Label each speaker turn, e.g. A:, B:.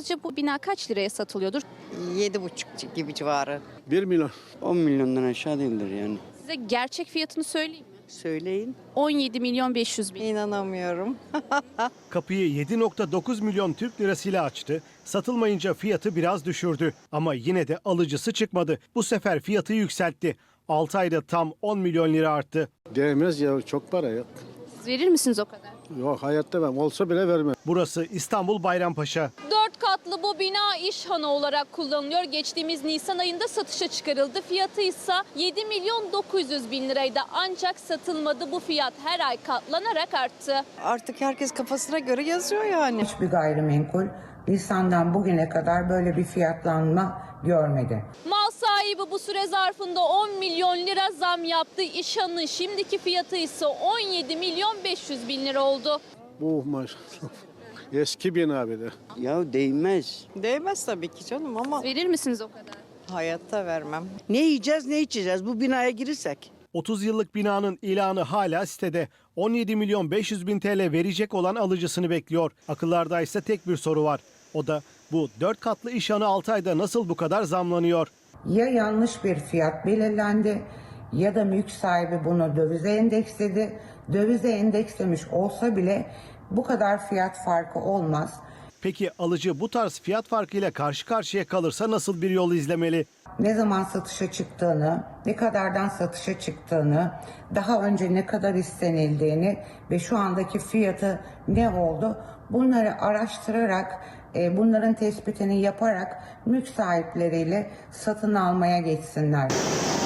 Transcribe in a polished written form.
A: Sizce bu bina kaç liraya satılıyordur?
B: 7,5 gibi civarı.
C: 1 milyon.
D: 10 milyondan aşağı değildir yani.
A: Size gerçek fiyatını söyleyeyim mi?
B: Söyleyin.
A: 17 milyon 500 bin.
B: İnanamıyorum.
E: Kapıyı 7,9 milyon Türk lirasıyla açtı. Satılmayınca fiyatı biraz düşürdü. Ama yine de alıcısı çıkmadı. Bu sefer fiyatı yükseltti. 6 ayda tam 10 milyon lira arttı.
C: Değmez ya, çok para ya.
A: Siz verir misiniz o kadar?
C: Yok, hayatta ben olsa bile vermem.
E: Burası İstanbul Bayrampaşa.
F: 4 katlı bu bina İşhanı olarak kullanılıyor. Geçtiğimiz Nisan ayında satışa çıkarıldı. Fiyatı ise 7 milyon 900 bin liraydı. Ancak satılmadı. Bu fiyat her ay katlanarak arttı.
B: Artık herkes kafasına göre yazıyor yani.
G: Hiçbir gayrimenkul Nisan'dan bugüne kadar böyle bir fiyatlanma görmedi.
F: Mal sahibi bu süre zarfında 10 milyon lira zam yaptı. İşhan'ın şimdiki fiyatı ise 17 milyon 500 bin lira oldu.
C: Bu maşallah. Eski bina bir de.
D: Ya değmez.
B: Değmez tabii ki canım ama
A: Verir misiniz o kadar?
B: hayatta vermem.
H: Ne yiyeceğiz ne içeceğiz bu binaya girirsek?
E: 30 yıllık binanın ilanı hala sitede. 17 milyon 500 bin TL verecek olan alıcısını bekliyor. Akıllarda ise tek bir soru var. O da bu 4 katlı İşhanı 6 ayda nasıl bu kadar zamlanıyor?
G: Ya yanlış bir fiyat belirlendi ya da mülk sahibi bunu dövize endeksledi. Dövize endekslemiş olsa bile bu kadar fiyat farkı olmaz.
E: Peki alıcı bu tarz fiyat farkıyla karşı karşıya kalırsa nasıl bir yol izlemeli?
G: Ne zaman satışa çıktığını, ne kadardan satışa çıktığını, daha önce ne kadar istenildiğini ve şu andaki fiyatı ne oldu bunları araştırarak, bunların tespitini yaparak mülk sahipleriyle satın almaya geçsinler.